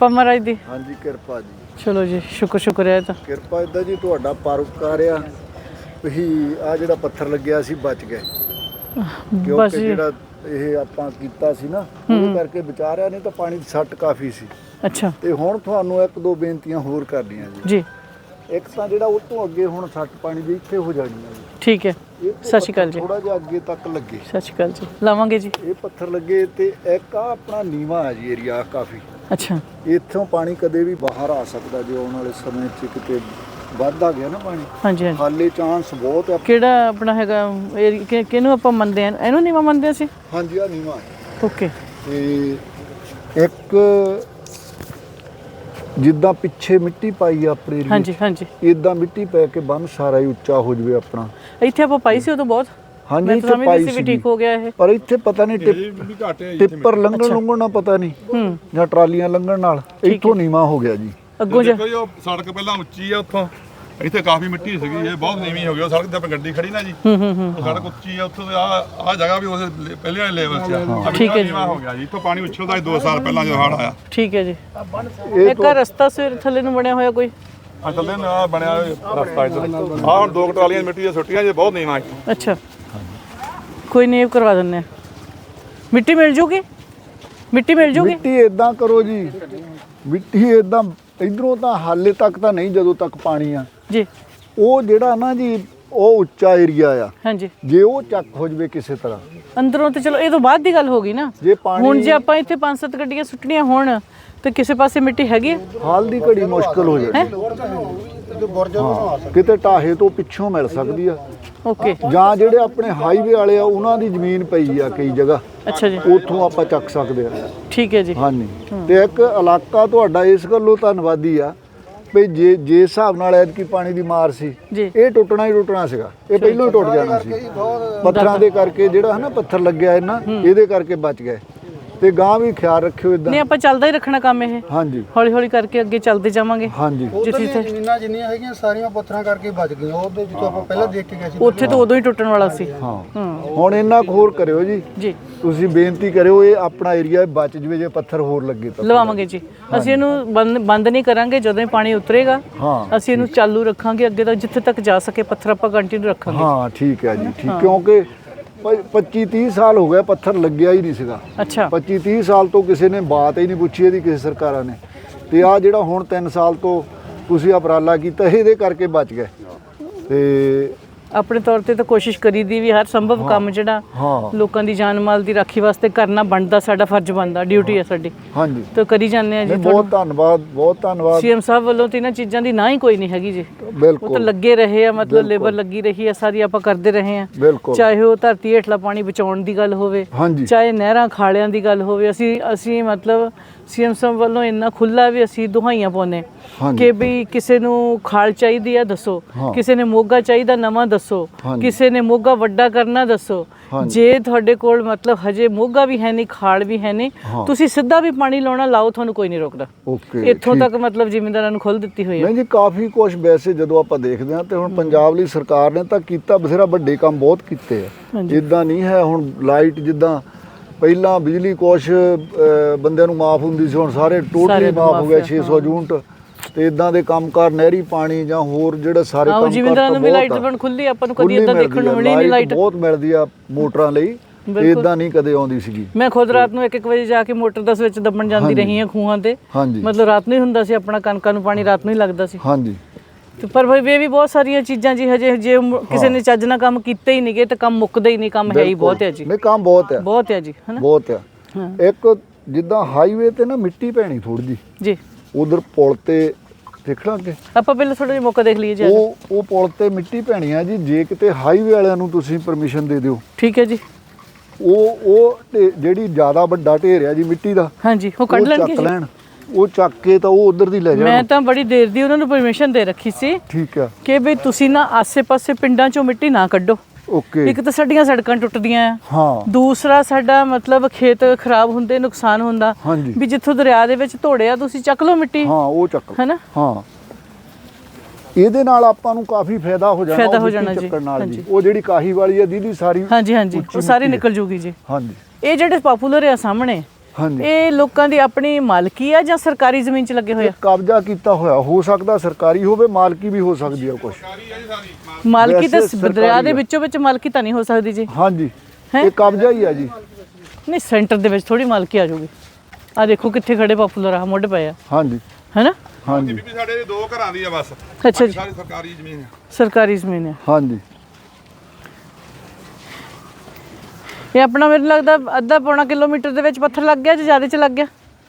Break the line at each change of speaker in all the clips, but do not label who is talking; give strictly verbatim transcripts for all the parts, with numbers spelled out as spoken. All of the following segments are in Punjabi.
ਕਿਰਪਾ ਮਹਾਰਾਜ ਦੀ।
ਹਾਂਜੀ ਕਿਰਪਾ ਜੀ।
ਚਲੋ ਜੀ ਸ਼ੁਕਰ ਸ਼ੁਕਰ ਹੈ ਤਾਂ
ਕਿਰਪਾ ਇਦਾਂ ਜੀ ਤੁਹਾਡਾ ਪਰਉਪਕਾਰ ਆ ਵੀ ਆ ਜਿਹੜਾ ਪੱਥਰ ਲੱਗਿਆ ਸੀ ਬਚ ਗਏ
ਬਸ
ਕਿਉਂਕਿ
ਜੀ।
ਜਿਹੜਾ ਇਹ ਆਪਾਂ ਕੀਤਾ ਸੀ ਨਾ ਉਹਦੇ ਕਰਕੇ ਬਚਾ ਰਿਆ, ਨਹੀਂ ਤਾਂ ਪਾਣੀ ਦੀ ਸੱਟ ਕਾਫੀ ਸੀ।
ਅੱਛਾ
ਤੇ ਹੁਣ ਤੁਹਾਨੂੰ ਇੱਕ ਦੋ ਬੇਨਤੀਆਂ ਹੋਰ ਕਰਨੀਆਂ ਜੀ।
ਜੀ
ਇੱਕ ਤਾਂ ਜਿਹੜਾ ਉਹ ਤੋਂ ਅੱਗੇ ਹੁਣ ਸੱਟ ਪਾਣੀ ਦੀ ਇੱਥੇ ਹੋ ਜਾਣੀ ਆ ਜੀ।
ਠੀਕ ਹੈ। ਸਤਿ ਸ਼੍ਰੀ ਅਕਾਲ ਜੀ।
ਥੋੜਾ ਜਿਹਾ ਅੱਗੇ ਤੱਕ ਲੱਗੇ,
ਸਤਿ ਸ਼੍ਰੀ ਅਕਾਲ ਜੀ। ਲਾਵਾਂਗੇ ਜੀ।
ਇਹ ਪੱਥਰ ਲੱਗੇ ਤੇ ਇੱਕ ਆ ਆਪਣਾ ਨੀਵਾ ਹੈ ਜੀ ਏਰੀਆ ਕਾਫੀ।
ਅੱਛਾ
ਇੱਥੋਂ ਪਾਣੀ ਕਦੇ ਵੀ ਬਾਹਰ ਆ ਸਕਦਾ ਜੇ ਆਉਣ ਵਾਲੇ ਸਮੇਂ 'ਚ ਕਿਤੇ ਵੱਧ ਆ ਗਿਆ ਨਾ ਪਾਣੀ।
ਹਾਂਜੀ ਹਾਂਜੀ।
ਹਾਲੇ ਚਾਂਸ ਬਹੁਤ ਆ।
ਕਿਹੜਾ ਆਪਣਾ ਹੈਗਾ ਏਰੀ- ਕਿ- ਕਿਹਨੂੰ ਆਪਾਂ ਮੰਨਦੇ ਆ? ਇਹਨੂੰ ਨੀਵਾਂ ਮੰਨਦੇ ਅਸੀਂ?
ਹਾਂਜੀ ਆ ਨੀਵਾ ਹੈ।
ਓਕੇ।
ਤੇ ਇੱਕ ਜਿੱਦਾਂ ਪਿੱਛੇ ਮਿੱਟੀ ਪਾਈ ਆ ਆਪਣੇ ਏਰੀਏ
ਹਾਂਜੀ ਹਾਂਜੀ।
ਇਦਾਂ ਮਿੱਟੀ ਪੈ ਕੇ ਬੰਨ ਸਾਰਾ ਹੀ ਉੱਚਾ ਹੋ ਜਵੇ ਆਪਣਾ।
ਇੱਥੇ ਆਪਾਂ ਪਾਈ ਸੀ ਉਦੋਂ ਬਹੁਤ।
ਹਾਂਜੀ
ਮੈਂ
ਇੱਥੇ
ਤਾਂ
ਪਾਈ
ਵੀ
ਸੀ
ਠੀਕ ਹੋ ਗਿਆ ਇਹ।
ਪਰ ਇੱਥੇ ਪਤਾ ਨਹੀਂ ਟਿੱਪਰ ਲੰਘਣ ਲੰਘਣ ਨਾਲ ਪਤਾ ਨਹੀਂ
ਹੂੰ
ਜਾਂ ਟਰਾਲੀਆਂ ਲੰਘਣ ਨਾਲ ਇੱਥੋਂ ਨੀਵਾ ਹੋ ਗਿਆ ਜੀ।
ਅੱਗੋਂ ਜਾ
ਦੇਖੋ ਜੀ ਉਹ ਸੜਕ ਪਹਿਲਾਂ ਉੱਚੀ ਆ, ਉੱਥੋਂ ਇੱਥੇ ਕਾਫੀ ਮਿੱਟੀ ਸੀਗੀ, ਇਹ ਬਹੁਤ ਨੀਵੀਂ ਹੋ ਗਈ। ਉਹ ਸੜਕ ਤੇ ਆਪਣੀ ਗੱਡੀ ਖੜੀ ਨਾ ਜੀ,
ਹੂੰ ਹੂੰ ਹੂੰ
ਉਹ ਸੜਕ ਉੱਚੀ ਆ, ਉੱਥੋਂ ਆ ਆ ਜਗ੍ਹਾ ਵੀ ਉਸ ਪਹਿਲੇ ਵਾਲੇ ਲੈਵਲ 'ਚ ਆ।
ਠੀਕ ਹੈ ਜੀ।
ਨੀਵਾਂ ਹੋ ਗਿਆ ਜੀ, ਇੱਥੋਂ ਪਾਣੀ ਉਛਲਦਾ ਸੀ ਦੋ ਸਾਲ ਪਹਿਲਾਂ ਜਦੋਂ ਹੜ੍ਹ ਆਇਆ।
ਠੀਕ ਹੈ ਜੀ।
ਇਹ
ਇੱਕ ਆਹ ਰਸਤਾ ਸਵੇਰ ਥੱਲੇ ਨੂੰ ਬਣਿਆ ਹੋਇਆ ਕੋਈ?
ਆ ਚੱਲਦੇ ਨੇ ਆ ਬਣਿਆ ਰਸਤਾ ਇੱਧਰ। ਆ ਹੁਣ ਦੋ ਕੁ ਟਰਾਲੀਆਂ ਮਿੱਟੀ ਦੀਆਂ ਸੁੱਟੀਆਂ ਜੇ, ਬਹੁਤ ਨੀਵਾਂ ਇੱਥੋਂ।
ਅੱਛਾ ਕੋਈ ਨਹੀਂ ਕਰਵਾ ਦਿੰਦੇ ਆ। ਮਿੱਟੀ ਮਿਲ ਜੂਗੀ? ਮਿੱਟੀ ਮਿਲ ਜੂਗੀ?
ਮਿੱਟੀ ਇਦਾਂ ਕਰੋ ਜੀ, ਮਿੱਟੀ ਇਦਾਂ ਇਧਰੋਂ ਤਾਂ ਹਾਲੇ ਤੱਕ ਤਾਂ ਨਹੀਂ, ਜਦੋਂ ਤੱਕ ਪਾਣੀ ਆ
ਜੀ।
ਉਹ ਜਿਹੜਾ ਨਾ ਜੀ ਉਹ ਉੱਚਾ ਏਰੀਆ ਆ,
ਹਾਂਜੀ।
ਜੇ ਉਹ ਚੱਕ ਹੋ ਜਵੇ ਕਿਸੇ ਤਰ੍ਹਾਂ
ਅੰਦਰੋਂ ਤੇ ਚਲੋ ਇਹ ਤੋਂ ਬਾਅਦ ਦੀ ਗੱਲ ਹੋ ਗਈ ਨਾ।
ਜੇ ਪਾਣੀ
ਹੁਣ ਜੇ ਆਪਾਂ ਇੱਥੇ ਪੰਜ ਸੱਤ ਗੱਡੀਆਂ ਸੁੱਟਣੀਆਂ ਹੋਣ ਤੇ ਕਿਸੇ ਪਾਸੇ ਮਿੱਟੀ ਹੈਗੀ?
ਹਾਲ ਦੀ ਘੜੀ ਮੁਸ਼ਕਲ ਹੋ ਜਾਣੀ। ਹਾਂ, ਕਿਤੇ ਢਾਹੇ ਤੋਂ ਪਿੱਛੋਂ ਮਿਲ ਸਕਦੀ ਆ,
ਓਕੇ।
ਜਾਂ ਜਿਹੜੇ ਆਪਣੇ ਹਾਈਵੇ ਵਾਲੇ ਆ ਉਹਨਾਂ ਦੀ ਜ਼ਮੀਨ ਪਈ ਆ ਕਈ ਜਗ੍ਹਾ,
ਅੱਛਾ ਜੀ।
ਉੱਥੋਂ ਆਪਾਂ ਚੱਕ ਸਕਦੇ ਆ।
ਠੀਕ ਹੈ ਜੀ।
ਹਾਂਜੀ। ਤੇ ਇੱਕ ਇਲਾਕਾ ਤੁਹਾਡਾ ਇਸ ਗੱਲੋਂ ਧੰਨਵਾਦੀ ਆ ਵੀ ਜੇ ਜੇ ਹਿਸਾਬ ਨਾਲ ਐਤਕੀ ਪਾਣੀ ਦੀ ਮਾਰ ਸੀ,
ਜੀ।
ਇਹ ਟੁੱਟਣਾ ਹੀ ਟੁੱਟਣਾ ਸੀਗਾ, ਇਹ ਪਹਿਲਾਂ ਹੀ ਟੁੱਟ ਜਾਣਾ ਸੀ। ਪੱਥਰਾਂ ਦੇ ਕਰਕੇ ਜਿਹੜਾ ਹੈ ਨਾ ਪੱਥਰ ਲੱਗਿਆ ਇਹਨਾਂ, ਇਹਦੇ ਕਰਕੇ ਬਚ ਗਏ। ਤੇ ਗਾਂ ਵੀ ਖਿਆਲ ਰੱਖਿਓ ਇਦਾਂ।
ਨਹੀਂ ਆਪਾਂ ਚੱਲਦਾ ਹੀ ਰੱਖਣਾ ਕੰਮ ਇਹ,
ਹਾਂਜੀ
ਹੌਲੀ ਹੌਲੀ ਕਰਕੇ ਅੱਗੇ ਚੱਲਦੇ ਜਾਵਾਂਗੇ।
ਹਾਂਜੀ।
ਜਿੱਥੇ ਜਿੱਥੇ
ਜ਼ਮੀਨਾਂ ਜਿੰਨੀਆਂ ਹੈਗੀਆਂ ਸਾਰੀਆਂ ਪੱਥਰਾਂ ਕਰਕੇ ਬਚ ਗਈਆਂ। ਉਹਦੇ ਜਿੱਥੋਂ ਆਪਾਂ ਪਹਿਲਾਂ ਦੇਖ ਕੇ ਗਏ ਸੀ
ਉੱਥੇ ਤਾਂ ਉਦੋਂ ਹੀ ਟੁੱਟਣ ਵਾਲਾ ਸੀ।
ਹਾਂ।
ਹੂੰ
ਹੁਣ ਇੰਨਾ ਕੁ ਹੋਰ ਕਰਿਓ ਜੀ,
ਜੀ।
ਤੁਸੀਂ ਬੇਨਤੀ ਕਰਿਓ ਇਹ ਆਪਣਾ ਏਰੀਆ ਬਚ ਜਵੇ ਜੇ ਪੱਥਰ ਹੋਰ ਲੱਗੇ ਤਾਂ।
ਲਵਾਵਾਂਗੇ ਜੀ। ਅਸੀਂ ਇਹਨੂੰ ਬੰਦ ਬੰਦ ਨਹੀਂ ਕਰਾਂਗੇ। ਜਦੋਂ ਹੀ ਪਾਣੀ ਉਤਰੇਗਾ
ਹਾਂ
ਅਸੀਂ ਇਹਨੂੰ ਚਾਲੂ ਰੱਖਾਂਗੇ ਅੱਗੇ ਤੱਕ, ਜਿੱਥੇ ਤੱਕ ਜਾ ਸਕੇ ਪੱਥਰ ਆਪਾਂ ਕੰਟੀਨਿਊ ਰੱਖਾਂਗੇ।
ਹਾਂ ਠੀਕ ਹੈ ਜੀ, ਠੀਕ। ਕਿਉਂਕਿ ਪੱਚੀ ਤੀਹ ਸਾਲ ਹੋ ਗਏ ਪੱਥਰ ਲੱਗਿਆ ਹੀ ਨਹੀਂ ਸੀਗਾ।
ਅੱਛਾ।
ਪੱਚੀ ਤੀਹ ਸਾਲ ਤੋਂ ਕਿਸੇ ਨੇ ਬਾਤ ਹੀ ਨਹੀਂ ਪੁੱਛੀ ਇਹਦੀ, ਕਿਸੇ ਸਰਕਾਰਾਂ ਨੇ। ਤੇ ਆ ਜਿਹੜਾ ਹੁਣ ਤਿੰਨ ਸਾਲ ਤੋਂ ਤੁਸੀਂ ਉਪਰਾਲਾ ਕੀਤਾ ਇਹਦੇ ਕਰਕੇ ਬਚ ਗਏ। ਤੇ
ਆਪਣੇ ਤੌਰ ਤੇ ਤਾਂ ਕੋਸ਼ਿਸ਼ ਕਰੀਦੀ ਵੀ ਹਰ ਸੰਭਵ ਕੰਮ ਜਿਹੜਾ
ਹਾਂ
ਲੋਕਾਂ ਦੀ ਜਾਨ ਮਾਲ ਦੀ ਰਾਖੀ ਵਾਸਤੇ ਕਰਨਾ ਬਣਦਾ, ਸਾਡਾ ਫਰਜ਼ ਬਣਦਾ, ਡਿਊਟੀ ਹੈ ਸਾਡੀ,
ਹਾਂਜੀ।
ਤਾਂ ਕਰੀ ਜਾਂਦੇ ਆ ਜੀ।
ਨਹੀਂ, ਬਹੁਤ ਧੰਨਵਾਦ, ਬਹੁਤ ਧੰਨਵਾਦ।
ਸੀਐਮ ਸਾਹਿਬ ਵੱਲੋਂ ਤੇ ਇਹਨਾਂ ਚੀਜ਼ਾਂ ਦੀ ਨਾ ਹੀ ਕੋਈ ਨਹੀਂ ਹੈਗੀ ਜੀ। ਉਹ ਤਾਂ
ਬਿਲਕੁਲ
ਲੱਗੇ ਰਹੇ ਆ, ਮਤਲਬ ਲੇਬਰ ਲੱਗੀ ਰਹੀ ਆ ਸਾਰੀ, ਆਪਾਂ ਕਰਦੇ ਰਹੇ ਆ।
ਬਿਲਕੁਲ।
ਚਾਹੇ ਉਹ ਧਰਤੀ ਹੇਠਲਾ ਪਾਣੀ ਬਚਾਉਣ ਦੀ ਗੱਲ ਹੋਵੇ,
ਹਾਂਜੀ।
ਚਾਹੇ ਨਹਿਰਾਂ ਖਾਲਿਆਂ ਦੀ ਗੱਲ ਹੋਵੇ, ਅਸੀਂ ਅਸੀਂ ਮਤਲਬ ਸੀਐਮ ਸਾਹਿਬ ਵੱਲੋਂ ਇੰਨਾ ਖੁੱਲਾ ਵੀ ਅਸੀਂ ਦੁਹਾਈਆਂ ਪਾਉਂਦੇ ਕਿ ਵੀ ਕਿਸੇ ਨੂੰ ਖਾਲ ਚਾਹੀਦੀ ਆ ਦੱਸੋ, ਕਿਸੇ ਨੇ ਮੋਗਾ ਚਾਹੀਦਾ ਨਵਾਂ ਦੱਸੋ, ਕਿਸੇ ਨੇ ਮੋਗਾ ਵੱਡਾ ਕਰਨਾ ਦੱਸੋ। ਜੇ ਤੁਹਾਡੇ ਕੋਲ ਮਤਲਬ ਹਜੇ ਮੋਗਾ ਵੀ ਹੈ ਨਹੀਂ, ਖਾਲ ਵੀ ਹੈ ਨਹੀਂ, ਤੁਸੀਂ ਸਿੱਧਾ ਵੀ ਪਾਣੀ ਲਾਉਣਾ ਲਾਓ, ਤੁਹਾਨੂੰ ਕੋਈ ਨਹੀਂ ਰੋਕਦਾ।
ਓਕੇ।
ਇੱਥੋਂ ਤੱਕ ਮਤਲਬ ਜ਼ਿਮੀਂਦਾਰਾਂ ਨੂੰ ਖੁੱਲ੍ਹ ਦਿੱਤੀ ਹੋਈ ਹੈ।
ਨਹੀਂ ਜੀ, ਕਾਫੀ ਕੁਝ ਵੈਸੇ ਜਦੋਂ ਆਪਾਂ ਦੇਖਦੇ ਹਾਂ ਤੇ ਹੁਣ ਪੰਜਾਬ ਲਈ ਸਰਕਾਰ ਨੇ ਤਾਂ ਕੀਤਾ ਬਥੇਰਾ, ਵੱਡੇ ਕੰਮ ਬਹੁਤ ਕੀਤੇ ਆ। ਇਦਾਂ ਨਹੀਂ ਹੈ ਹੁਣ ਲਾਈਟ ਜਿੱਦਾਂ ਪਹਿਲਾਂ ਬਿਜਲੀ ਕੁਛ ਬੰਦਿਆਂ ਨੂੰ ਮਾਫ ਹੁੰਦੀ ਸੀ, ਹੁਣ ਸਾਰੇ ਟੋਟਲੀ ਮਾਫ ਹੋ ਗਿਆ ਛੇ ਸੌ ਯੂਨਿਟ। ਤੇ ਇਦਾਂ ਦੇ ਕੰਮਕਾਰ, ਨਹਿਰੀ ਪਾਣੀ ਜਾਂ ਹੋਰ ਜਿਹੜੇ ਸਾਰੇ ਕੰਮ
ਜ਼ਿਮੀਂਦਾਰਾਂ ਨੂੰ ਵੀ ਲਾਈਟ ਬਣ ਖੁੱਲੀ, ਆਪਾਂ ਨੂੰ ਕਦੀ ਇਦਾਂ ਦੇਖਣ ਨੂੰ ਮਿਲੀ ਨਹੀਂ ਲਾਈਟ।
ਬਹੁਤ ਮਿਲਦੀ ਆ ਮੋਟਰਾਂ ਲਈ, ਇਦਾਂ ਨਹੀਂ ਕਦੇ ਆਉਂਦੀ ਸੀਗੀ।
ਮੈਂ ਖੁਦ ਰਾਤ ਨੂੰ ਇੱਕ ਇੱਕ ਵਜੇ ਜਾ ਕੇ ਮੋਟਰ ਦਸ ਵਿੱਚ ਦੱਬਣ ਜਾਂਦੀ ਰਹੀ ਹਾਂ ਖੂਹਾਂ ਤੇ।
ਹਾਂਜੀ।
ਮਤਲਬ ਰਾਤ ਨੂੰ ਹੀ ਹੁੰਦਾ ਸੀ, ਆਪਣਾ ਕਣਕਾਂ ਨੂੰ ਪਾਣੀ ਰਾਤ ਨੂੰ ਹੀ ਲੱਗਦਾ ਸੀ।
ਹਾਂਜੀ।
ਤੇ ਪਰ ਭਾਈ ਇਹ ਵੀ ਬਹੁਤ ਸਾਰੀਆਂ ਚੀਜ਼ਾਂ ਜੀ, ਹਜੇ ਜੇ ਕਿਸੇ ਨੇ ਚੱਜ ਨਾਲ ਕੰਮ ਕੀਤੇ ਹੀ ਨਹੀਂਗੇ ਤਾਂ ਕੰਮ ਮੁੱਕਦਾ ਹੀ ਨਹੀਂ। ਕੰਮ ਹੈ ਹੀ ਬਹੁਤ ਹੈ ਜੀ।
ਨਹੀਂ ਕੰਮ ਬਹੁਤ ਹੈ,
ਬਹੁਤ ਹੈ ਜੀ, ਹਨਾ
ਬਹੁਤ ਹੈ। ਇੱਕ ਜਿੱਦਾਂ ਹਾਈਵੇ ਤੇ ਨਾ ਮਿੱਟੀ ਪੈਣੀ ਥੋੜੀ ਜੀ
ਜੀ,
ਉਧਰ ਪੁਲ ਤੇ ਦੇਖਣਾ ਕਿ
ਆਪਾਂ ਪਹਿਲਾਂ ਥੋੜਾ ਜਿਹਾ ਮੌਕਾ ਦੇਖ ਲਈਏ ਜੀ।
ਉਹ ਉਹ ਪੁਲ ਤੇ ਮਿੱਟੀ ਪੈਣੀ ਆ ਜੀ, ਜੇ ਕਿਤੇ ਹਾਈਵੇ ਵਾਲਿਆਂ ਨੂੰ ਤੁਸੀਂ ਪਰਮਿਸ਼ਨ ਦੇ ਦਿਓ।
ਠੀਕ ਹੈ ਜੀ।
ਉਹ ਉਹ ਢੇ- ਜਿਹੜੀ ਜ਼ਿਆਦਾ ਵੱਡਾ ਢੇਰ ਆ ਜੀ ਮਿੱਟੀ ਦਾ,
ਹਾਂਜੀ, ਉਹ ਕੱਢ ਲੈਣਗੇ
ਚੱਕ
ਜੀ।
ਲੈਣ, ਉਹ ਚੱਕ ਕੇ ਤਾਂ ਉਹ ਉਧਰ ਦੀ ਲੈ ਜਾਣ।
ਮੈਂ ਤਾਂ ਬੜੀ ਦੇਰ ਦੀ ਉਹਨਾਂ ਨੂੰ ਪਰਮਿਸ਼ਨ ਦੇ ਰੱਖੀ ਸੀ
ਠੀਕ ਆ
ਕਿ ਬਈ ਤੁਸੀਂ ਨਾ ਆਸੇ-ਪਾਸੇ ਪਿੰਡਾਂ ਚੋਂ ਮਿੱਟੀ ਨਾ ਕੱਢੋ।
ਓਕੇ।
ਇੱਕ ਤਾਂ ਸਾਡੀਆਂ ਸੜਕਾਂ ਟੁੱਟਦੀਆਂ ਆ,
ਹਾਂ।
ਦੂਸਰਾ ਸਾਡਾ ਮਤਲਬ ਖੇਤ ਖਰਾਬ ਹੁੰਦੇ, ਨੁਕਸਾਨ ਹੁੰਦਾ।
ਹਾਂਜੀ।
ਵੀ ਜਿੱਥੋਂ ਦਰਿਆ ਦੇ ਵਿੱਚ ਧੋੜਿਆ ਤੁਸੀਂ ਚੱਕ ਲਓ ਮਿੱਟੀ,
ਹਾਂ ਉਹ ਚੱਕ
ਹੈਨਾ।
ਹਾਂ, ਇਹਦੇ ਨਾਲ ਆਪਾਂ ਨੂੰ ਕਾਫੀ ਫਾਇਦਾ ਹੋ ਜਾਣਾ।
ਫਾਇਦਾ
ਉਹ
ਹੋ
ਮਿੱਟੀ
ਜਾਣਾ ਜੀ।
ਚੱਕਣ ਨਾਲ ਜੀ।
ਹਾਂਜੀ।
ਉਹ ਜਿਹੜੀ ਕਾਹੀ ਵਾਲੀ ਆ ਦੀਦੀ ਸਾਰੀ,
ਹਾਂਜੀ ਹਾਂਜੀ,
ਉੱਚੀ
ਉਹ ਸਾਰੀ
ਮਿੱਟੀ
ਨਿਕਲ ਜੂਗੀ ਜੀ।
ਹਾਂਜੀ।
ਇਹ ਜਿਹੜੇ ਪਪੂਲਰ ਆ ਸਾਹਮਣੇ,
ਹਾਂਜੀ
ਇਹ ਲੋਕਾਂ ਦੀ ਆਪਣੀ ਮਾਲਕੀ ਆ ਜਾਂ ਸਰਕਾਰੀ ਜ਼ਮੀਨ 'ਚ ਲੱਗੇ ਹੋਏ ਆ?
ਕਬਜ਼ਾ ਕੀਤਾ ਹੋਇਆ ਹੋ ਸਕਦਾ, ਸਰਕਾਰੀ ਹੋਵੇ, ਮਾਲਕੀ ਵੀ ਹੋ ਸਕਦੀ ਆ ਕੁਝ।
ਮਾਲਕੀ ਤਾਂ
ਵੈਸੇ
ਦਰਿਆ ਦੇ ਵਿੱਚੋਂ ਵਿੱਚ ਮਾਲਕੀ ਤਾਂ ਨਹੀਂ ਹੋ ਸਕਦੀ ਜੀ।
ਹਾਂਜੀ
ਹੈਂ?
ਇਹ ਕਬਜ਼ਾ ਹੀ ਆ ਜੀ।
ਨਹੀਂ ਸੈਂਟਰ ਦੇ ਵਿੱਚ ਥੋੜੀ ਮਾਲਕੀ ਆ ਜਾਊਗੀ। ਆ ਦੇਖੋ ਕਿੱਥੇ ਖੜੇ ਪਾਪੂਲਰ ਆ ਮੁੱਢ ਪਏ ਆ,
ਹਾਂਜੀ
ਹੈਨਾ?
ਹਾਂਜੀ
ਬੀਬੀ ਸਾਡੇ ਦੋ ਘਰਾਂ ਦੀ ਆ ਬਸ,
ਅੱਛਾ ਜੀ,
ਸਾਰੀ ਸਰਕਾਰੀ ਜ਼ਮੀਨ ਆ।
ਸਰਕਾਰੀ ਜ਼ਮੀਨ ਹੈ।
ਹਾਂਜੀ
ਇਹ ਆਪਣਾ ਮੈਨੂੰ ਲੱਗਦਾ ਅੱਧਾ ਪੌਣਾ ਕਿਲੋਮੀਟਰ ਦੇ ਵਿੱਚ ਪੱਥਰ ਲੱਗ ਗਿਆ ਜਾਂ ਜ਼ਿਆਦਾ ਚ ਲੱਗ ਗਿਆ?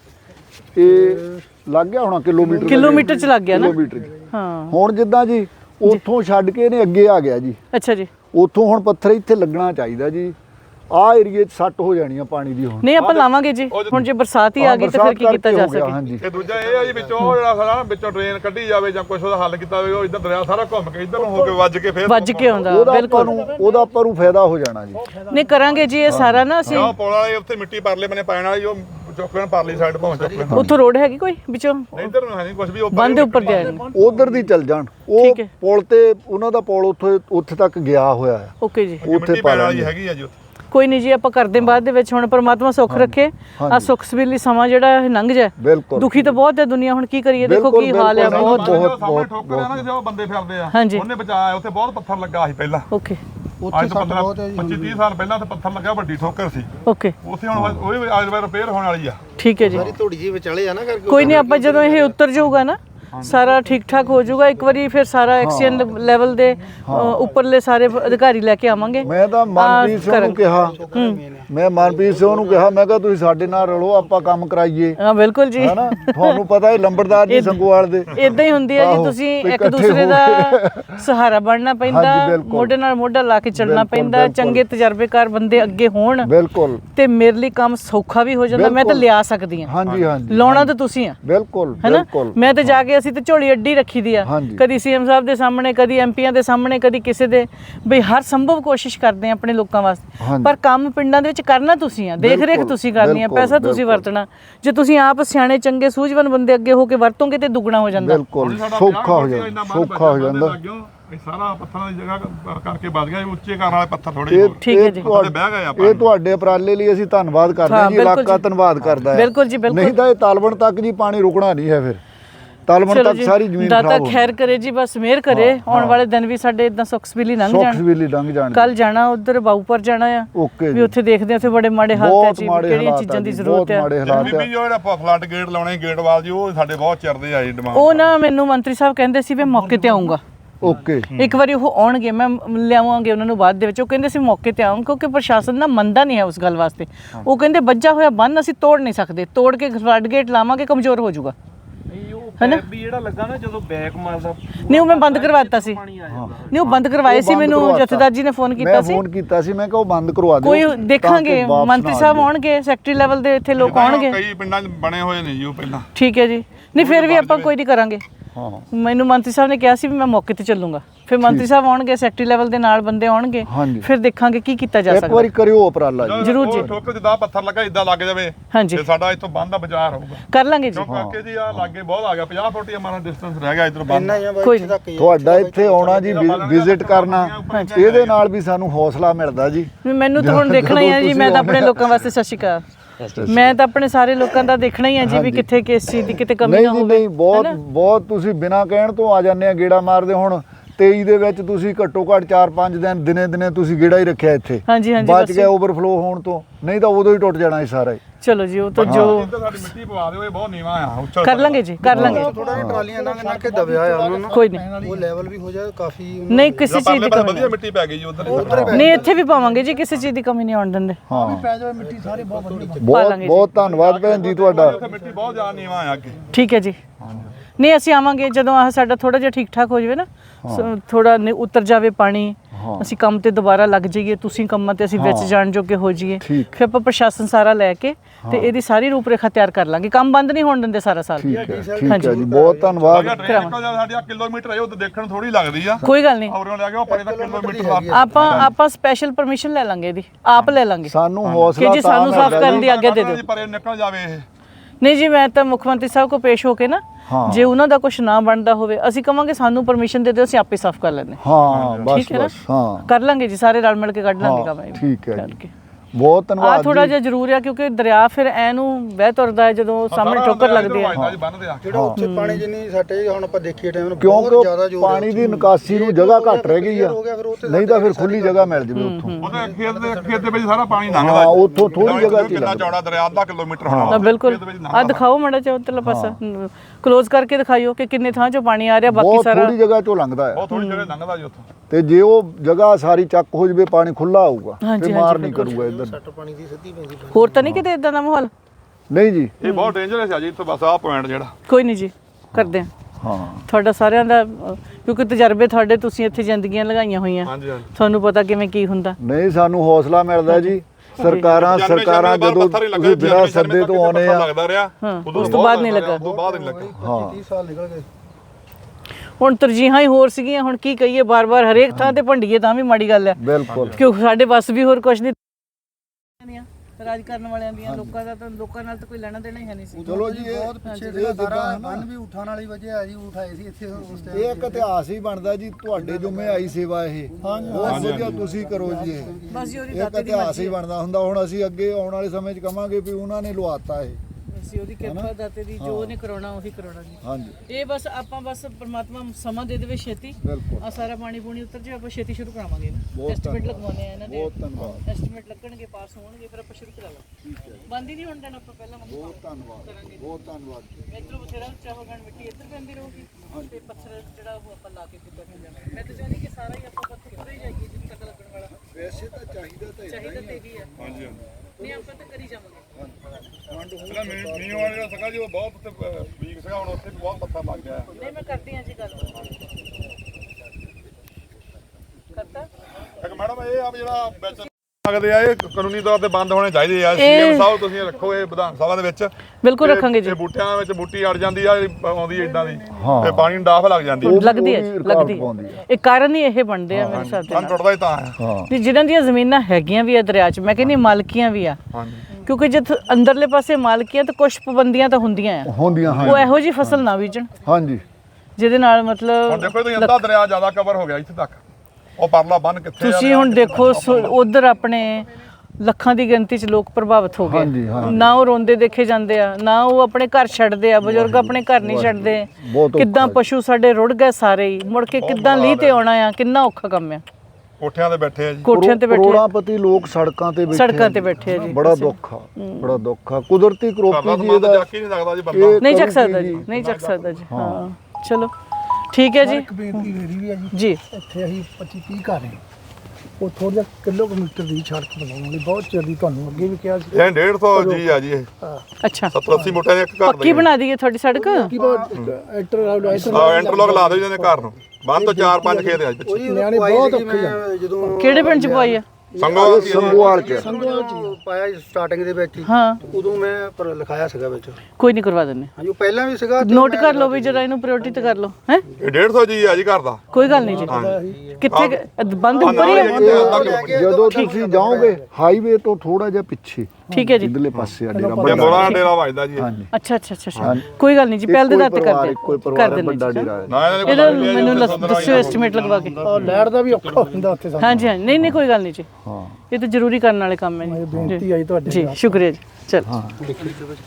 ਇਹ ਲੱਗ ਗਿਆ ਹੋਣਾ ਕਿਲੋਮੀਟਰ।
ਕਿਲੋਮੀਟਰ ਚ ਲੱਗ ਗਿਆ ਨਾ?
ਕਿਲੋਮੀਟਰ 'ਚ।
ਹਾਂ
ਹੁਣ ਜਿੱਦਾਂ ਜੀ ਉੱਥੋਂ ਛੱਡ ਕੇ ਇਹਨੇ ਅੱਗੇ ਆ ਗਿਆ ਜੀ,
ਅੱਛਾ ਜੀ।
ਉੱਥੋਂ ਹੁਣ ਪੱਥਰ ਇੱਥੇ ਲੱਗਣਾ ਚਾਹੀਦਾ ਜੀ। ਆਹ ਏਰੀਏ 'ਚ ਸੱਟ ਹੋ ਜਾਣੀ ਆ ਪਾਣੀ ਦੀ ਹੁਣ।
ਨਹੀਂ ਆਪਾਂ ਲਾਵਾਂਗੇ ਜੀ, ਹੁਣ ਜੇ ਬਰਸਾਤ ਹੀ ਆ ਗਈ ਤਾਂ ਫਿਰ ਕੀ ਕੀਤਾ ਜਾ ਸਕੇ?
ਹਾਂਜੀ
ਇਹ ਦੂਜਾ ਇਹ ਆ ਜੀ ਵਿੱਚੋਂ ਉਹ ਜਿਹੜਾ ਸਾਰਾ ਨਾ ਵਿੱਚੋਂ ਟ੍ਰੇਨ ਕੱਢੀ ਜਾਵੇ ਜਾਂ ਕੁਝ ਉਹਦਾ ਹੱਲ ਕੀਤਾ ਜਾਵੇ, ਉਹ ਇੱਧਰ ਦਰਿਆ ਸਾਰਾ ਘੁੰਮ ਕੇ ਇੱਧਰ ਨੂੰ ਹੋ ਕੇ ਵੱਜ ਕੇ ਫੇਰ
ਵੱਜ ਕੇ ਆਉਂਦਾ,
ਉਹਦਾ ਆਪਾਂ
ਬਿਲਕੁਲ।
ਨੂੰ ਉਹਦਾ ਆਪਾਂ ਨੂੰ ਫਾਇਦਾ ਹੋ ਜਾਣਾ ਜੀ।
ਨਹੀਂ ਕਰਾਂਗੇ ਜੀ ਇਹ ਸਾਰਾ ਨਾ ਅਸੀਂ।
ਉਹ ਪੌਲ ਵਾਲੇ ਉੱਥੇ ਮਿੱਟੀ ਪਰਲੇ ਬਨੇ ਪੈਣ ਵਾਲੀ, ਉਹ ਚੁੱਕ ਲੈਣ ਪਰਲੀ ਸਾਈਡ ਪਹੁੰਚ ਚੁੱਕ ਲੈਣ।
ਉੱਥੋਂ ਰੋਡ ਹੈਗੀ ਕੋਈ ਵਿੱਚੋਂ?
ਇੱਧਰ ਨੂੰ ਹੈ ਨਹੀਂ ਕੁਝ ਵੀ, ਉਹ
ਬੰਦ ਦੇ ਉੱਪਰ ਜਾਏ।
ਉਧਰ ਦੀ ਚੱਲ ਜਾਣ, ਉਹ
ਠੀਕ ਹੈ।
ਪੁਲ ਤੇ ਉਹਨਾਂ ਦਾ ਪੁਲ ਉੱਥੇ ਉੱਥੇ ਤੱਕ ਗਿਆ ਹੋਇਆ ਹੈ,
ਓਕੇ ਜੀ,
ਉੱਥੇ
ਮਿੱਟੀ
ਪਾ
ਪੈਣ ਵਾਲੀ
ਲਾਂਗੇ।
ਹੈਗੀ ਆ ਜੀ ਉੱਥੇ।
ਕੋਈ ਨਹੀਂ ਜੀ ਆਪਾਂ ਕਰਦੇ ਹਾਂ ਬਾਅਦ ਦੇ ਵਿੱਚ। ਹੁਣ ਪਰਮਾਤਮਾ ਸੁੱਖ ਰੱਖੇ, ਆ ਸੁੱਖ ਸਬੀਲੀ ਸਮਾਂ ਜਿਹੜਾ ਇਹ ਲੰਘ ਜਾਏ।
ਬਿਲਕੁਲ
ਦੁਖੀ ਤਾਂ ਬਹੁਤ ਹੈ ਦੁਨੀਆ, ਹੁਣ ਕੀ ਕਰੀਏ? ਦੇਖੋ
ਬਿਲਕੁਲ,
ਕੀ ਹਾਲ ਹੈ,
ਬਿਲਕੁਲ।
ਬਹੁਤ
ਬਹੁਤ-
ਸਾਹਮਣੇ ਠੋਕਰ ਆ ਨਾ ਜਿੱਥੇ ਉਹ ਬੰਦੇ ਫਿਰਦੇ ਆ,
ਹਾਂਜੀ।
ਉਹਨੇ ਬਚਾਇਆ। ਉੱਥੇ ਬਹੁਤ ਪੱਥਰ ਲੱਗਾ ਸੀ ਪਹਿਲਾਂ,
ਓਕੇ
ਉੱਥੇ
ਅੱਜ ਤੋਂ
ਸੱਟ ਬਹੁਤ ਹੈ ਜੀ।
ਪੱਚੀ ਤੀਹ ਸਾਲ ਪਹਿਲਾਂ ਤੇ ਪੱਥਰ ਲੱਗਾ, ਵੱਡੀ ਠੋਕਰ ਸੀ
ਓਕੇ
ਉੱਥੇ। ਹੁਣ ਉਹ ਵੀ ਅੱਜ ਵਾਰ ਰਿਪੇਅਰ ਹੋਣ ਵਾਲੀ ਆ।
ਠੀਕ ਹੈ ਜੀ।
ਥੋੜੀ ਜਿਹੀ ਵਿਚਾਲੇ ਆ ਨਾ ਕਰਕੇ
ਕੋਈ ਨਹੀਂ ਆਪਾਂ ਜਦੋਂ ਇਹ ਉਤਰ ਜਾਊਗਾ ਨਾ ਸਾਰਾ ਠੀਕ ਠਾਕ ਹੋ ਜਾਊਗਾ, ਇੱਕ ਵਾਰੀ ਫਿਰ ਸਾਰਾ ਐਕਸੀਅਨ ਲੈਵਲ ਦੇ ਅ, ਉੱਪਰਲੇ ਸਾਰੇ ਅਧਿਕਾਰੀ ਲੈ ਕੇ ਆਵਾਂਗੇ।
ਮੈਂ ਤਾਂ ਮਨਪ੍ਰੀਤ ਸਿੰਘ ਨੂੰ ਕਿਹਾ, ਮੈਂ ਮਨਪ੍ਰੀਤ ਸਿੰਘ ਨੂੰ ਕਿਹਾ, ਮੈਂ ਕਿਹਾ ਤੁਸੀਂ ਸਾਡੇ ਨਾਲ ਰਲੋ, ਆਪਾਂ ਕੰਮ ਕਰਾਈਏ,
ਹਾਂ ਬਿਲਕੁਲ ਜੀ,
ਹੈਨਾ? ਤੁਹਾਨੂੰ ਪਤਾ ਹੈ ਲੰਬੜਦਾਰ ਜੀ ਸੰਗੋਵਾਲ ਦੇ
ਇਦਾਂ ਹੀ ਹੁੰਦੀ ਹੈ ਜੀ।
ਆਹੋ,
ਤੁਸੀਂ
ਵੀ
ਇੱਕ
ਇਕੱਠੇ
ਦੂਸਰੇ
ਹੋ
ਦਾ ਸਹਾਰਾ ਬਣਨਾ ਪੈਂਦਾ,
ਹਾਂਜੀ, ਬਿਲਕੁਲ।
ਮੋਢੇ ਨਾਲ ਮੋਢਾ ਲਾ ਕੇ ਚੱਲਣਾ
ਬਿਲਕੁਲ,
ਪੈਂਦਾ।
ਬਿਲਕੁਲ।
ਚੰਗੇ ਤਜਰਬੇਕਾਰ ਬੰਦੇ ਅੱਗੇ ਹੋਣ
ਬਿਲਕੁਲ।
ਤੇ ਮੇਰੇ ਲਈ ਕੰਮ ਸੌਖਾ ਵੀ ਹੋ ਜਾਂਦਾ। ਮੈਂ ਤਾਂ
ਬਿਲਕੁਲ।
ਲਿਆ ਸਕਦੀ ਹਾਂ,
ਹਾਂਜੀ ਹਾਂਜੀ
ਲਾਉਣਾ ਤਾਂ ਤੁਸੀਂ ਆ,
ਬਿਲਕੁਲ
ਹੈਨਾ?
ਬਿਲਕੁਲ।
ਮੈਂ ਤਾਂ ਜਾ ਕੇ ਅਸੀਂ ਤੇ ਝੋਲੀ ਅੱਡੀ ਰੱਖੀ ਦੀ ਆ,
ਹਾਂਜੀ।
ਕਦੀ ਸੀਐਮ ਸਾਹਿਬ ਦੇ ਸਾਹਮਣੇ, ਕਦੀ ਐਮਪੀਆਂ ਦੇ ਸਾਹਮਣੇ, ਕਦੀ ਕਿਸੇ ਦੇ, ਬਈ ਹਰ ਸੰਭਵ ਕੋਸ਼ਿਸ਼ ਕਰਦੇ ਆ ਆਪਣੇ ਲੋਕਾਂ ਵਾਸਤੇ।
ਹਾਂਜੀ।
ਪਰ ਕੰਮ ਪਿੰਡਾਂ ਦੇ ਵਿੱਚ ਕਰਨਾ ਤੁਸੀਂ ਆ, ਦੇਖ ਰੇਖ
ਬਿਲਕੁਲ,
ਤੁਸੀਂ ਕਰਨੀ ਆ,
ਬਿਲਕੁਲ,
ਪੈਸਾ ਤੁਸੀਂ
ਬਿਲਕੁਲ।
ਵਰਤਣਾ। ਜੇ ਤੁਸੀਂ ਆਪ ਸਿਆਣੇ ਚੰਗੇ ਸੂਝਵਾਨ ਬੰਦੇ ਅੱਗੇ ਹੋ ਕੇ ਵਰਤੋਗੇ ਤੇ ਦੁੱਗਣਾ ਹੋ ਜਾਂਦਾ।
ਬਿਲਕੁਲ ਸੌਖਾ ਹੋ ਜਾਂਦਾ, ਸੌਖਾ ਹੋ ਜਾਂਦਾ।
ਇਹ ਸਾਰਾ ਪੱਥਰਾਂ ਦੀ ਜਗ੍ਹਾ ਕਰ- ਕਰਕੇ ਵੱਧ ਗਿਆ, ਉੱਚੇ ਕਰਨ ਵਾਲੇ ਪੱਥਰ ਥੋੜੇ
ਇਹ
ਠੀਕ ਹੈ
ਇਹ
ਜੀ।
ਤੁਹਾਡੇ-
ਬਹਿ ਗਏ ਆਪਾਂ।
ਇਹ ਤੁਹਾਡੇ ਉਪਰਾਲੇ ਲਈ ਅਸੀਂ ਧੰਨਵਾਦ ਕਰਦੇ
ਹਾਂ,
ਹਾਂ ਜੀ,
ਬਿਲਕੁਲ
ਇਲਾਕਾ
ਜੀ।
ਧੰਨਵਾਦ ਕਰਦਾ ਹੈ।
ਬਿਲਕੁਲ ਜੀ, ਬਿਲਕੁਲ।
ਨਹੀਂ ਤਾਂ ਇਹ ਤਾਲਵਣ ਤੱਕ ਜੀ ਪਾਣੀ ਰੁਕਣਾ ਨਹੀਂ ਹੈ, ਫਿਰ ਤਾਲਵਣ
ਚਲੋ
ਤੱਕ
ਜੀ,
ਸਾਰੀ ਜ਼ਮੀਨ
ਦਾਤਾ
ਖਰਾਬ ਹੋ
ਖੈਰ ਕਰੇ ਜੀ, ਬਸ ਮਿਹਰ ਕਰੇ। ਆਉਣ ਵਾਲੇ ਦਿਨ ਵੀ ਸਾਡੇ ਇਦਾਂ ਸੁਖਸਬੀਲੀ ਲੰਘ
ਸੌਖ
ਜਾਣ।
ਸਵੇਲੀ ਲੰਘ ਜਾਣ।
ਕੱਲ ਜਾਣਾ ਉਧਰ ਬਾਊਪਰ ਜਾਣਾ ਆ,
ਓਕੇ
ਵੀ
ਜੀ,
ਉੱਥੇ ਦੇਖਦੇ ਆ ਉੱਥੇ ਬੜੇ ਮਾੜੇ ਹਾਲਤ ਹੈ
ਬਹੁਤ
ਜੀ,
ਮਾੜੇ
ਕਿਹੜੀਆਂ
ਹਾਲਾਤ
ਚੀਜ਼ਾਂ ਦੀ
ਆ ਜੀ,
ਜ਼ਰੂਰਤ
ਬਹੁਤ
ਹੈ।
ਮਾੜੇ ਹਾਲਾਤ
ਬੀਬੀ
ਆ।
ਜੋ ਜਿਹੜਾ ਆਪਾਂ ਫਲੱਡ ਗੇਟ ਲਾਉਣੇ ਗੇਟਵਾਲ ਜੀ, ਉਹ ਸਾਡੇ ਬਹੁਤ ਚਿਰਦੇ ਆਏ ਡਿਮਾਂਡ।
ਉਹ ਨਾ ਮੈਨੂੰ ਮੰਤਰੀ ਸਾਹਿਬ ਕਹਿੰਦੇ ਸੀ ਵੀ ਮੌਕੇ ਤੇ ਆਉਂਗਾ,
ਓਕੇ
ਇੱਕ ਵਾਰੀ ਉਹ ਆਉਣਗੇ, ਮੈਂ ਲਿਆਵਾਂਗੇ ਉਹਨਾਂ ਨੂੰ ਬਾਅਦ ਦੇ ਵਿੱਚ। ਉਹ ਕਹਿੰਦੇ ਸੀ ਮੌਕੇ ਤੇ ਆਉਂ, ਕਿਉਂਕਿ ਪ੍ਰਸ਼ਾਸਨ ਨਾ ਮੰਨਦਾ ਨਹੀਂ ਹੈ ਉਸ ਗੱਲ ਵਾਸਤੇ। ਉਹ ਕਹਿੰਦੇ ਵੱਜਾ ਹੋਇਆ ਬੰਨ ਅਸੀਂ ਤੋੜ ਨਹੀਂ ਸਕਦੇ, ਤੋੜ ਕੇ ਫਲੱਡ ਗੇਟ ਲਾਵਾਂਗੇ ਕਮਜ਼ੋਰ ਹੋ ਜਾਊਗਾ, ਹੈਨਾ?
ਵੀ ਜਿਹੜਾ ਲੱਗਾ ਨਾ ਜਦੋਂ ਬੈਕ ਮਾਰਦਾ,
ਨਹੀਂ ਉਹ ਮੈਂ ਬੰਦ ਕਰਵਾ ਦਿੱਤਾ ਸੀ। ਨਹੀਂ ਉਹ ਬੰਦ ਕਰਵਾਏ
ਉਹ
ਸੀ,
ਬੰਦ
ਮੈਨੂੰ
ਕਰਵਾਤਾ।
ਜਥੇਦਾਰ ਜੀ ਨੇ ਫੋਨ ਕੀਤਾ
ਮੈਂ
ਸੀ।
ਫੋਨ ਕੀਤਾ ਸੀ, ਮੈਂ ਕਿਹਾ ਉਹ ਬੰਦ ਕਰਵਾ ਦਿਓ,
ਕੋਈ
ਤਾਂ ਕਿ
ਦੇਖਾਂਗੇ,
ਵਾਪਸ
ਮੰਤਰੀ
ਨਾ
ਸਾਹਿਬ
ਆਵੇ।
ਆਉਣਗੇ, ਸੈਕਟਰੀ ਲੈਵਲ ਦੇ ਇੱਥੇ ਲੋਕ ਆਉਣਗੇ।
ਕਈ ਪਿੰਡਾਂ 'ਚ ਬਣੇ ਹੋਏ ਨੇ ਜੀ ਉਹ ਪਹਿਲਾਂ।
ਠੀਕ ਹੈ ਜੀ। ਨਹੀਂ ਫਿਰ ਵੀ ਆਪਾਂ ਕੋਈ ਨਹੀਂ ਕਰਾਂਗੇ।
ਹਾਂ
ਮੈਨੂੰ ਮੰਤਰੀ ਸਾਹਿਬ ਨੇ ਕਿਹਾ ਸੀ ਵੀ ਮੈਂ ਮੌਕੇ ਤੇ ਚੱਲੂੰਗਾ। ਫਿਰ ਮੰਤਰੀ ਸਾਹਿਬ ਆਉਣਗੇ, ਸੈਕਟਰੀ ਲੈਵਲ ਦੇ ਨਾਲ ਬੰਦੇ ਆਉਣਗੇ,
ਹਾਂਜੀ।
ਫਿਰ ਦੇਖਾਂਗੇ ਕੀ ਕੀਤਾ ਜਾ
ਇੱਕ
ਸਕਦਾ।
ਵਾਰੀ ਕਰਿਓ ਉਪਰਾਲਾ ਜੀ।
ਜ਼ਰੂਰ ਜੀ।
ਠੋਕਰ ਜਿੱਦਾਂ ਪੱਥਰ ਲੱਗਾ ਇਦਾਂ ਲੱਗ ਜਾਵੇ,
ਹਾਂਜੀ
ਤੇ ਸਾਡਾ ਇੱਥੋਂ ਬੰਦ ਦਾ ਬਾਜ਼ਾਰ ਰਹੂਗਾ।
ਕਰ ਲਾਂਗੇ ਜੀ।
ਕਿਉਂ ਕਰਕੇ ਜੀ ਆ ਲਾਗੇ ਬਹੁਤ ਆ ਗਿਆ, ਪੰਜਾਹ ਫੁੱਟ ਹੀ ਹਮਾਰਾ ਡਿਸਟੈਂਸ ਰਹਿ ਗਿਆ ਇਧਰ ਬੰਦ।
ਇੰਨਾ ਹੀ ਆ ਬਸ
ਕੋਈ
ਇੱਥੇ ਤੱਕ ਹੀ ਆ।
ਤੁਹਾਡਾ ਇੱਥੇ ਆਉਣਾ ਜੀ, ਵਿਜ਼ਿਟ ਕਰਨਾ, ਇਹਦੇ ਨਾਲ ਵੀ ਸਾਨੂੰ ਹੌਸਲਾ ਮਿਲਦਾ ਜੀ।
ਵੀ ਮੈਨੂੰ ਤਾਂ ਹੁਣ ਦੇਖਣਾ ਹੀ ਆ ਜੀ, ਮੈਂ ਤਾਂ ਆਪਣੇ ਲੋਕਾਂ ਵਾਸਤੇ ਸਤਿ ਸ਼੍ਰੀ ਅਕਾਲ। ਮੈਂ ਤਾਂ ਆਪਣੇ ਸਾਰੇ ਲੋਕਾਂ ਦਾ ਦੇਖਣਾ ਹੀ ਆ ਜੀ, ਵੀ ਕਿੱਥੇ ਕਿਸ ਚੀਜ਼ ਦੀ ਕਿਤੇ ਕਮੀ
ਨਹੀਂ
ਨਾ
ਜੀ
ਹੋਵੇ।
ਨਹੀਂ, ਬਹੁਤ ਬਹੁਤ ਤੁਸੀਂ ਬਿਨਾਂ ਕਹਿਣ ਤੋਂ ਆ ਜਾਂਦੇ ਆ, ਗੇੜਾ ਮਾਰਦੇ। ਹੁਣ ਤੇਈ ਦੇ ਵਿੱਚ ਤੁਸੀਂ ਘੱਟੋ ਘੱਟ ਚਾਰ ਪੰਜ ਦਿਨ ਦਿਨੇ ਦਿਨੇ ਤੁਸੀਂ ਗੇੜਾ ਹੀ ਰੱਖਿਆ ਇੱਥੇ,
ਹਾਂਜੀ ਹਾਂਜੀ
ਬਚ
ਬਸ।
ਗਿਆ ਓਵਰਫਲੋ ਹੋਣ ਤੋਂ, ਨਹੀਂ ਤਾਂ ਉਦੋਂ ਹੀ ਟੁੱਟ ਜਾਣਾ ਸੀ ਸਾਰਾ ਹੀ।
ਚਲੋ ਜੀ, ਉਹ ਤਾਂ ਜੋ
ਇੱਧਰ ਸਾਡੀ ਮਿੱਟੀ ਪਵਾ ਦਿਓ, ਇਹ ਬਹੁਤ ਨੀਵਾਂ ਆ, ਉੱਚਾ
ਕਰ ਲਾਂਗੇ ਜੀ, ਕਰ ਲਾਂਗੇ।
ਥੋੜਾ ਜਿਹਾ ਟਰਾਲੀਆਂ ਲੰਘ ਲੰਘ ਕੇ ਦਬਿਆ ਆ ਉਹਨਾਂ ਨੂੰ,
ਕੋਈ ਨਹੀਂ,
ਉਹ ਲੈਵਲ ਵੀ ਹੋ ਜਾਏ ਕਾਫੀ ਉਹਨਾਂ
ਨਹੀਂ ਕਿਸੇ ਚੀਜ਼ ਦੀ ਕਮੀ
ਵਧੀਆ ਮਿੱਟੀ ਪੈ ਗਈ ਜੀ ਉਧਰ।
ਨਹੀਂ। ਨਹੀਂ ਇੱਥੇ ਵੀ ਪਾਵਾਂਗੇ ਜੀ, ਕਿਸੇ ਚੀਜ਼ ਦੀ ਕਮੀ ਨਹੀਂ ਆਉਣ ਦਿੰਦੇ।
ਹਾਂ
ਪੈ ਜਾਵੇ ਮਿੱਟੀ ਸਾਰੀ ਬਹੁਤ ਵਧੀਆ।
ਬਹੁਤ
ਲਾਂਗੇ ਜੀ।
ਬਹੁਤ ਧੰਨਵਾਦ ਭੈਣ ਜੀ ਤੁਹਾਡਾ।
ਉੱਥੇ ਮਿੱਟੀ ਬਹੁਤ ਜ਼ਿਆਦਾ ਨੀਵਾਂ ਆ ਅੱਗੇ।
ਠੀਕ ਹੈ ਜੀ। ਨਹੀਂ ਅਸੀਂ ਆਵਾਂਗੇ ਜਦੋਂ ਆਹ ਸਾਡਾ ਥੋੜਾ ਜਿਹਾ ਠੀਕ ਠਾਕ ਹੋ ਜਾਵੇ ਨਾ, ਥੋੜਾ ਉਤਰ ਜਾਵੇ ਪਾਣੀ, ਅਸੀਂ ਕੰਮ ਤੇ ਦੁਬਾਰਾ ਲੱਗ ਜਾਈਏ, ਤੁਸੀਂ ਕੰਮਾਂ ਤੇ ਅਸੀਂ ਵਿੱਚ ਜਾਣ ਜੋਗੇ ਹੋ ਜਾਈਏ,
ਠੀਕ।
ਫਿਰ ਆਪਾਂ ਪ੍ਰਸ਼ਾਸਨ ਸਾਰਾ ਲੈ ਕੇ ਤੇ ਇਹਦੀ ਸਾਰੀ ਰੂਪਰੇਖਾ ਤਿਆਰ ਕਰ ਲਾਂਗੇ। ਕੰਮ ਬੰਦ ਨਹੀਂ ਹੋਣ ਦਿੰਦੇ ਸਾਰਾ ਸਾਲ।
ਠੀਕ ਹੈ ਠੀਕ ਹੈ ਜੀ, ਬਹੁਤ ਧੰਨਵਾਦ।
ਟ੍ਰੇਨ ਨਿਕਲ ਜਾ ਸਾਡੀ ਆ ਕਿਲੋਮੀਟਰ ਹੈ, ਉਹ ਤਾਂ ਦੇਖਣ ਥੋੜੀ ਲੱਗਦੀ ਆ।
ਕੋਈ ਗੱਲ ਨਹੀਂ,
ਔਰੋਂ ਲੈ ਕੇ ਉਹ ਪਰੇ ਦਾ ਕਿਲੋਮੀਟਰ ਆ।
ਆਪਾਂ ਆਪਾਂ ਸਪੈਸ਼ਲ ਪਰਮਿਸ਼ਨ ਲੈ ਲਾਂਗੇ ਇਹਦੀ, ਆਪ ਲੈ ਲਾਂਗੇ
ਸਾਨੂੰ
ਕਿ
ਹੌਸਲਾ
ਜੀ
ਤਾਂ
ਸਾਨੂੰ ਸਾਫ਼
ਮਿਲਦਾ
ਕਰਨ
ਜੀ।
ਦੀ ਆਗਿਆ ਦੇ ਦਿਓ।
ਪਰੇ ਨਿਕਲ ਜਾਵੇ ਇਹ।
ਨਹੀਂ ਜੀ, ਮੈਂ ਤਾਂ ਮੁੱਖ ਮੰਤਰੀ ਸਾਹਿਬ ਕੋ ਪੇਸ਼ ਹੋ ਕੇ ਨਾ,
ਹਾਂ।
ਜੇ ਉਹਨਾਂ ਦਾ ਕੁਝ ਨਾ ਬਣਦਾ ਹੋਵੇ, ਅਸੀਂ ਕਵਾਂਗੇ ਸਾਨੂੰ ਪਰਮਿਸ਼ਨ ਦੇ ਦਿਓ, ਅਸੀਂ ਆਪੇ ਸਾਫ਼ ਕਰ ਲੈਂਦੇ।
ਹਾਂ ਬਸ
ਠੀਕ ਹੈ ਨਾ?
ਬਸ ਹਾਂ
ਕਰ ਲਾਂਗੇ ਜੀ, ਸਾਰੇ ਰਲ ਮਿਲ ਕੇ ਕੱਢ ਲਾਂਗੇ ਕੰਮ ਇਹ।
ਠੀਕ ਹੈ
ਚੱਲ
ਜੀ।
ਕੇ।
ਬਹੁਤ ਧੰਨਵਾਦ
ਆ ਥੋੜਾ ਜਿਹਾ ਜ਼ਰੂਰ ਆ ਕਿਉਂਕਿ ਦਰਿਆ ਫਿਰ ਐ ਨੂੰ ਵਹਿ ਤੁਰਦਾ ਹੈ ਜਦੋਂ ਸਾਹਮਣੇ ਠੋਕਰ ਲੱਗਦੀ ਹੈ।
ਜਿਹੜਾ ਉੱਥੇ ਪਾਣੀ ਜਿੰਨੀ ਸਾਡੇ ਹੁਣ ਆਪਾਂ ਦੇਖੀਏ ਟਾਈਮ ਨੂੰ
ਕਿਉਂਕਿ
ਬਹੁਤ ਜ਼ਿਆਦਾ ਜ਼ੋਰ
ਪਾਣੀ ਦੀ ਨਿਕਾਸੀ ਨੂੰ ਜਗ੍ਹਾ ਘੱਟ ਰਹਿ ਗਈ ਆ, ਨਹੀਂ ਤਾਂ ਫਿਰ ਖੁੱਲੀ ਜਗ੍ਹਾ ਮਿਲ ਜਵੇ ਉੱਥੋਂ।
ਉਹਦੇ ਖੇਤ ਦੇ ਖੇਤ ਦੇ ਵਿੱਚ ਸਾਰਾ ਪਾਣੀ ਲੰਘਦਾ
ਹਾਂ ਉੱਥੋਂ ਥੋੜੀ ਜਗ੍ਹਾ 'ਚ ਹੀ
ਕਿੰਨਾ
ਲੱਗਦਾ।
ਚੌੜਾ ਦਰਿਆ ਅੱਧਾ ਕਿਲੋਮੀਟਰ ਹੋਣਾ
ਤਾਂ ਬਿਲਕੁਲ ਆ ਦਿਖਾਓ ਮਾੜਾ ਜਿਹਾ ਉੱਤਲਾ ਪਾਸਾ ਕਲੋਜ਼ ਕਰਕੇ ਦਿਖਾਇਓ ਕਿ ਕਿੰਨੇ ਥਾਂ 'ਚੋਂ ਪਾਣੀ ਆ ਰਿਹਾ, ਬਾਕੀ
ਬਹੁਤ
ਸਾਰਾ
ਥੋੜੀ ਜਗ੍ਹਾ 'ਚੋਂ ਲੰਘਦਾ ਹੈ
ਬਹੁਤ ਥੋੜੀ ਜਗ੍ਹਾ ਲੰਘਦਾ ਜੀ ਉੱਥੋਂ।
ਤੇ ਜੇ ਉਹ ਜਗ੍ਹਾ ਸਾਰੀ ਚੱਕ ਹੋ ਜਵੇ ਪਾਣੀ ਖੁੱਲਾ ਆਊਗਾ
ਹਾਂਜੀ,
ਤੇ ਮਾਰ ਨਹੀਂ ਕਰੂਗਾ ਇੱਧਰ।
ਸੱਟ ਪਾਣੀ ਦੀ ਸਿੱਧੀ ਪੈਂਦੀ
ਹੋਰ ਤਾਂ ਨਹੀਂ ਕਿਤੇ ਇਦਾਂ ਦਾ ਮਾਹੌਲ?
ਨਹੀਂ ਜੀ
ਇਹ ਬਹੁਤ ਡੇਂਜਰਸ ਆ ਜੀ ਇੱਥੇ ਬਸ ਆਹ ਪੁਆਇੰਟ ਜਿਹੜਾ।
ਕੋਈ ਨਹੀਂ ਜੀ, ਕਰਦੇ ਆ
ਹਾਂ
ਤੁਹਾਡਾ ਸਾਰਿਆਂ ਦਾ ਅ, ਕਿਉਂਕਿ ਤਜਰਬੇ ਤੁਹਾਡੇ, ਤੁਸੀਂ ਇੱਥੇ ਜ਼ਿੰਦਗੀਆਂ ਲਗਾਈਆਂ ਹੋਈਆਂ,
ਹਾਂਜੀ ਹਾਂਜੀ
ਤੁਹਾਨੂੰ ਪਤਾ ਕਿਵੇਂ ਕੀ ਹੁੰਦਾ।
ਨਹੀਂ ਸਾਨੂੰ ਹੌਸਲਾ ਮਿਲਦਾ ਜੀ। ਸਰਕਾਰਾਂ ਸਰਕਾਰਾਂ ਜਦੋਂ ਤੁਸੀਂ ਬਿਨਾਂ ਸੱਦੇ ਤੋਂ ਆਉਣੇ ਆ,
ਲੱਗਦਾ ਰਿਹਾ
ਹਾਂ, ਉਸ ਤੋਂ ਬਾਅਦ ਨਹੀਂ ਲੱਗਾ।
ਉਸ ਤੋਂ ਬਾਅਦ ਨਹੀਂ ਲੱਗਾ।
ਹਾਂ
ਤੀਹ ਸਾਲ ਨਿਕਲ ਗਏ।
ਹੁਣ ਤਰਜੀਹਾਂ ਹੀ ਹੋਰ ਸੀਗੀਆਂ, ਹੁਣ ਕੀ ਕਹੀਏ, ਬਾਰ-ਬਾਰ ਹਰੇਕ ਥਾਂ ਤੇ ਭੰਡੀਏ ਤਾਂ ਵੀ ਮਾੜੀ ਗੱਲ ਹੈ,
ਬਿਲਕੁਲ।
ਕਿਉਂਕਿ ਸਾਡੇ ਬਸ ਵੀ ਹੋਰ ਕੁਝ ਨਹੀਂ। ਰਾਜ ਕਰਨ ਵਾਲਿਆਂ ਦੀਆਂ ਲੋਕਾਂ ਦਾ ਤਾਂ ਲੋਕਾਂ ਨਾਲ ਤਾਂ ਕੋਈ ਲੈਣਾ ਦੇਣਾ ਹੀ ਹੈ ਨਹੀਂ ਸੀ।
ਚਲੋ ਜੀ ਇਹ
ਬਹੁਤ ਪਿੱਛੇ ਸੀਗਾ ਸਾਰਾ ਬੰਨ ਵੀ ਉਠਾਣ ਵਾਲੀ ਵਜ੍ਹਾ ਹੈ ਜੀ, ਉਠਾਏ ਸੀ ਇੱਥੇ ਉਸ ਟਾਈਮ।
ਇਹ ਇੱਕ ਇਤਿਹਾਸ ਹੀ ਬਣਦਾ ਜੀ, ਤੁਹਾਡੇ ਜੁਮੇ ਆਈ ਸੇਵਾ ਇਹ ਬਹੁਤ ਵਧੀਆ ਤੁਸੀਂ ਕਰੋ ਜੀ। ਇਹ
ਬਸ ਜੀ ਉਹਦੀ
ਇੱਕ ਇਤਿਹਾਸ ਹੀ ਬਣਦਾ ਹੁੰਦਾ। ਹੁਣ ਅਸੀਂ ਅੱਗੇ ਆਉਣ ਵਾਲੇ ਸਮੇਂ 'ਚ ਕਵਾਂਗੇ ਵੀ ਉਹਨਾਂ ਨੇ ਲਵਾਤਾ ਇਹ।
ਅਸੀਂ ਉਹਦੀ ਕਿਰਪਾ ਦਾਤੇ ਦੀ, ਜੋ ਉਹਨੇ ਕਰਾਉਣਾ ਉਹੀ ਕਰਾਉਣਾ ਜੀ।
ਹਾਂਜੀ
ਇਹ ਬਸ ਆਪਾਂ ਬਸ ਪ੍ਰਮਾਤਮਾ ਸਮਾਂ ਦੇ ਦੇਵੇ ਛੇਤੀ,
ਬਿਲਕੁਲ।
ਆ ਸਾਰਾ ਪਾਣੀ ਪੂਣੀ ਉਤਰ ਜੇ ਆਪਾਂ ਛੇਤੀ ਸ਼ੁਰੂ ਕਰਾਵਾਂਗੇ।
ਬਹੁਤ
ਐਸਟੀਮੇਟ ਲਗਵਾਉਣੇ ਆ ਇਹਨਾਂ ਦੇ,
ਬਹੁਤ ਧੰਨਵਾਦ।
ਐਸਟੀਮੇਟ ਲੱਗਣਗੇ, ਪਾਸ ਹੋਣਗੇ, ਫਿਰ ਆਪਾਂ ਸ਼ੁਰੂ ਕਰਾ ਲਾਂਗੇ। ਬੰਦ ਹੀ ਨਹੀਂ ਹੋਣ ਦੇਣਾ ਆਪਾਂ ਪਹਿਲਾਂ।
ਬਹੁਤ ਧੰਨਵਾਦ ਬਹੁਤ ਧੰਨਵਾਦ।
ਇੱਧਰ ਬਥੇਰਾ ਉੱਚਾ ਹੋ ਗਿਆ, ਮਿੱਟੀ ਇੱਧਰ ਪੈਂਦੀ ਰਹੂਗੀ ਤੇ ਪੱਥਰ ਜਿਹੜਾ ਉਹ ਆਪਾਂ ਲਾ ਕੇ ਕਿੱਦਾਂ ਹੋ ਜਾਣਾ। ਮੈਂ ਤਾਂ ਚਾਹੁੰਦੀ ਕਿ ਸਾਰਾ ਹੀ ਆਪਾਂ ਪੱਥਰ ਉੱਤੇ ਹੀ ਜਾਈਏ ਜਿੱਥੇ ਤੱਕ ਲੱਗਣ ਵਾਲਾ।
ਵੈਸੇ ਤਾਂ ਚਾਹੀਦਾ ਤਾਂ
ਚਾਹੀਦਾ ਤੇ ਇਹੀ ਹੈ।
ਹਾਂਜੀ
ਨਹੀਂ ਆਪਾਂ ਤਾਂ ਕਰੀ ਜਾਵਾਂਗੇ।
ਜਿਹੜਾ ਮੀਂਹ ਵਾਲਾ ਜਿਹੜਾ ਸੀਗਾ ਜੀ ਉਹ ਬਹੁਤ ਉੱਤੇ ਵੀਕ ਸੀਗਾ, ਹੁਣ ਉੱਥੇ ਵੀ ਬਹੁਤ ਪੱਥਰ ਲੱਗ ਗਿਆ।
ਨਹੀਂ ਮੈਂ ਕਰਦੀ ਹਾਂ ਜੀ ਗੱਲ। ਕਰਤਾ
ਇੱਕ ਮੈਡਮ ਇਹ ਆ ਵੀ ਜਿਹੜਾ ਵਿੱਚ ਲੱਗਦੇ ਆ ਇਹ ਕਾਨੂੰਨੀ ਤੌਰ ਤੇ ਬੰਦ ਹੋਣੇ ਚਾਹੀਦੇ ਆ। ਸੀਐਮ ਸਾਹਿਬ ਤੁਸੀਂ ਰੱਖੋ ਇਹ ਵਿਧਾਨ ਸਭਾ ਦੇ ਵਿੱਚ।
ਬਿਲਕੁਲ ਰੱਖਾਂਗੇ ਜੀ।
ਇਹ ਬੂਟਿਆਂ ਵਿੱਚ ਬੂਟੀ ਅੜ ਜਾਂਦੀ ਆ, ਜਿਹੜੀ ਆਉਂਦੀ ਹੈ ਇਦਾਂ ਦੀ,
ਹਾਂ।
ਤੇ ਪਾਣੀ ਨੂੰ ਡਾਫ ਲੱਗ ਜਾਂਦੀ ਹੈ।
ਲੱਗਦੀ ਹੈ ਜੀ,
ਰੁਕਾਵਟ
ਲੱਗਦੀ
ਪਾਉਂਦੀ
ਹੈ। ਇਹ ਕਾਰਨ ਹੀ ਇਹ ਬਣਦੇ ਆ ਮੇਰੇ ਹਿਸਾਬ
ਬੰਨ
ਨਾਲ।
ਟੁੱਟਦਾ ਹੀ ਤਾਂ ਹੈ।
ਹਾਂ
ਵੀ ਜਿਨ੍ਹਾਂ ਦੀਆਂ ਜ਼ਮੀਨਾਂ ਹੈਗੀਆਂ ਵੀ ਆ ਦਰਿਆ 'ਚ, ਮੈਂ ਕਹਿੰਦੀ ਮਾਲਕੀਆਂ ਵੀ ਆ,
ਹਾਂਜੀ
ਕਿਉਂਕਿ ਜਦ ਅੰਦਰਲੇ ਪਾਸੇ ਮਾਲਕੀਆਂ ਤਾਂ ਕੁਝ ਪਾਬੰਦੀਆਂ ਤਾਂ ਹੁੰਦੀਆਂ ਆ।
ਹੁੰਦੀਆਂ ਹਾਂ
ਉਹ ਇਹੋ ਜੀ ਫਸਲ ਨਾ ਬੀਜਣ
ਹਾਂਜੀ
ਜਿਹਦੇ ਨਾਲ
ਹੁਣ
ਮਤਲਬ
ਦੇਖੋ ਤੁਸੀਂ ਅੱਧਾ ਦਰਿਆ ਜ਼ਿਆਦਾ ਕਵਰ ਹੋ ਗਿਆ ਇੱਥੇ ਤੱਕ। ਉਹ ਪਰਲਾ ਬੰਨ ਕਿੱਥੇ ਆ?
ਤੁਸੀਂ ਹੁਣ ਦੇਖੋ ਉਧਰ ਆਪਣੇ ਲੱਖਾਂ ਦੀ ਗਿਣਤੀ 'ਚ ਲੋਕ ਪ੍ਰਭਾਵਿਤ ਹੋ
ਹਾਂਜੀ,
ਗਏ।
ਹਾਂ।
ਨਾ ਉਹ ਰੋਂਦੇ ਦੇਖੇ ਜਾਂਦੇ ਆ, ਨਾ ਉਹ ਆਪਣੇ ਘਰ ਛੱਡਦੇ ਆ, ਬਜ਼ੁਰਗ ਆਪਣੇ ਘਰ ਨਹੀਂ ਛੱਡਦੇ।
ਬਹੁਤ ਔਖਾ
ਕਿੱਦਾਂ
ਜੀ।
ਪਸ਼ੂ ਸਾਡੇ ਰੁੜ ਗਏ ਸਾਰੇ ਹੀ, ਮੁੜ ਕੇ ਕਿੱਦਾਂ ਲੀਹ ਤੇ ਆਉਣਾ ਆ, ਕਿੰਨਾ ਔਖਾ ਕੰਮ ਆ।
ਕੋਠਿਆਂ ਤੇ ਬੈਠੇ ਆ ਜੀ।
ਕੋਠਿਆਂ ਤੇ ਬੈਠੇ ਆ,
ਕਰੋੜਾਪਤੀ ਲੋਕ ਸੜਕਾਂ ਤੇ ਬੈਠੇ
ਸੜਕਾਂ
ਆ
ਤੇ
ਜੀ।
ਬੈਠੇ ਆ ਜੀ।
ਬੜਾ ਦੁੱਖ ਆ ਬੜਾ ਦੁੱਖ ਆ। ਕੁਦਰਤੀ
ਕਰਲਾ
ਕਰੋਪੀ
ਤਾਂ
ਜੀ
ਬੰਦ
ਇਹਦਾ
ਚੱਕ ਹੀ ਨਹੀਂ ਸਕਦਾ ਜੀ ਬੰਦਾ।
ਇਹ
ਨਹੀਂ ਚੱਕ
ਕਰੂਗੀ
ਸਕਦਾ ਜੀ, ਨਹੀਂ ਚੱਕ ਸਕਦਾ ਜੀ। ਹਾਂ ਚਲੋ ਠੀਕ ਹੈ ਜੀ।
ਇੱਕ ਬੇਨਤੀ ਮੇਰੀ ਵੀ ਹੈ ਜੀ,
ਜੀ
ਇੱਥੇ ਅਸੀਂ ਪੱਚੀ ਤੀਹ ਘਰ ਨੇ, ਉਹ ਥੋੜਾ ਜਿਹਾ ਕਿਲੋਮੀਟਰ ਦੀ ਸੜਕ ਬਣਾਉਣੀ ਬਹੁਤ ਚਿਰ ਦੀ, ਤੁਹਾਨੂੰ ਅੱਗੇ ਵੀ ਕਿਹਾ ਸੀ।
ਇਹ ਡੇਢ ਸੌ ਜੀ ਆ ਜੀ ਇਹ
ਅੱਛਾ,
ਸੱਤਰ ਅੱਸੀ ਮੁੱਟਿਆਂ ਦੇ ਇੱਕ ਘਰ
ਪੱਕੀ ਬਣਾ ਦਈਏ ਤੁਹਾਡੀ ਸੜਕ?
ਕੀ ਬਾਤ ਐਂਟਰ
ਆ ਇੰਟਰਲੋਕ ਲਾ ਦਿਓ ਜਿਹਨੇ ਘਰ ਨੂੰ। ਬੰਨ ਤੋਂ ਚਾਰ ਪੰਜ ਖੇਤ ਆ ਜੀ ਪਿੱਛੇ।
ਨਿਆਣੇ ਬਹੁਤ ਔਖੇ ਜਾਂਦੇ ਜਦੋਂ
ਕਿਹੜੇ ਪਿੰਡ 'ਚ ਪਵਾਈ ਆ?
ਸੰਗੋ
ਸੰਗੋਵਾਲ ਚ
ਸੰਗੋਵਾਲ ਚ ਪਾਇਆ ਸਟਾਰਟਿੰਗ ਦੇ ਵਿੱਚ ਹੀ,
ਹਾਂ
ਉਦੋਂ ਮੈਂ ਪਰ ਲਿਖਾਇਆ ਸੀਗਾ ਵਿੱਚ।
ਕੋਈ ਨਹੀਂ, ਕਰਵਾ ਦਿੰਦੇ।
ਹਾਂਜੀ ਉਹ ਪਹਿਲਾਂ ਵੀ ਸੀਗਾ।
ਨੋਟ ਕਰ ਲਓ ਵੀ ਜਰਾ ਇਹਨੂੰ ਪ੍ਰਾਇੋਰਟੀ ਤੇ ਕਰ ਲਓ ਹੈ।
ਇਹ ਡੇਢ ਸੌ ਜੀ ਆ ਜੀ ਘਰ ਦਾ।
ਕੋਈ ਗੱਲ ਨਹੀਂ ਜੀ। ਕਿੱਥੇ ਕੁ- ਬੰਦ ਉੱਪਰ ਹੀ ਆ?
ਜਦੋਂ ਤੁਸੀਂ ਜਾਓਗੇ ਹਾਈਵੇ ਤੋਂ ਥੋੜਾ ਜਿਹਾ ਪਿੱਛੇ
ਠੀਕ ਹੈ ਜੀ।
ਇਧਰਲੇ ਪਾਸੇ ਆ ਡੇਰਾ
ਇਹ
ਵੱਡਾ।
ਮੋਰਾ ਡੇਰਾ ਵੱਜਦਾ ਜੀ ਇਹ।
ਹਾਂਜੀ
ਅੱਛਾ ਅੱਛਾ ਅੱਛਾ ਅੱਛਾ, ਕੋਈ ਗੱਲ ਨਹੀਂ ਜੀ, ਪਹਿਲ ਦੇ ਦਾਤੇ ਕਰਦੇ
ਕੋਈ
ਕਰ
ਪਰਿਵਾਰ
ਦਿੰਦੇ
ਵੱਡਾ
ਜੀ।
ਡੇਰਾ ਹੈ।
ਨਾ ਇਹਨਾਂ ਨੇ
ਇਹਦਾ ਮੈਨੂੰ ਲੱਸ- ਦੱਸਿਓ ਐਸਟੀਮੇਟ ਲਗਵਾ ਕੇ।
ਲੈਟ ਦਾ ਵੀ ਔਖਾ ਹੁੰਦਾ ਉੱਥੇ ਸਾਨੂੰ।
ਹਾਂਜੀ ਹਾਂਜੀ, ਨਹੀਂ ਨਹੀਂ ਕੋਈ ਗੱਲ ਨਹੀਂ ਜੀ,
ਹਾਂ
ਇਹ ਤਾਂ ਜ਼ਰੂਰੀ ਕਰਨ ਵਾਲੇ ਕੰਮ ਹੈ ਜੀ।
ਬੇਨਤੀ ਆਈ ਤੁਹਾਡੇ
ਜੀ ਸ਼ੁਕਰੀਆ ਜੀ। ਚਲ